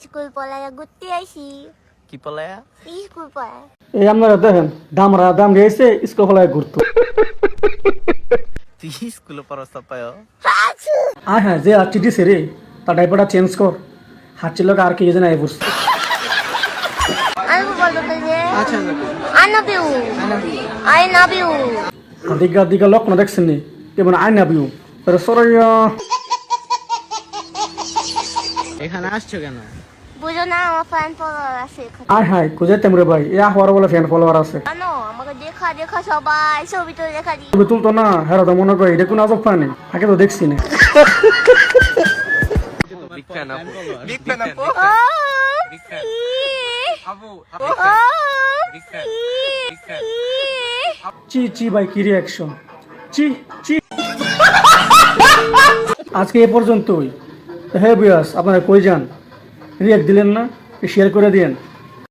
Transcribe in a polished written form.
School পড়ায়া ঘুরতে আইছি। কি পলায়া? স্কুল পড়ায়। এই আপনারা দেখেন দামরা দাম দিয়েছে স্কুল ফলায় ঘুরতো। তুই স্কুলে পড়াস পায়? আয় হ্যাঁ যে আর চিঠি সেরে তার ডাইপারটা চেঞ্জ কর। হাঁটছিল আর কি যেন আই পড়ছে। আমি বলতো যে I love you. I love you. দিগা দিগা লক্ষণ দেখছেন নি কেমন আই না বিউ সরাইয়া এখানে আসছো কেন? বুঝো না আমার ফ্যান ফলোয়ার আছে এখানে। আয় হায় খুঁজে তেমরে ভাই এ হওয়ার বলে ফ্যান ফলোয়ার আছে। জানো আমাকে দেখা দেখা সবাই ছবি তুলে দেখা দিই। তুমি তুলতো না হ্যাঁ তো মনে করি এটা কোন আজব প্রাণী আগে তো দেখছি না। বিগ ফ্যান আপু। বিগ ও, বিগ ফ্যান। আপু বিগ ফ্যান। Big fan. চি চি ভাই কি রিয়াকশন চি চি। আজকে এ পর্যন্তই। হ্যাঁ বিয়াস আপনারা কই যান রিয়াক্ট দিলেন না শেয়ার করে দিয়েন।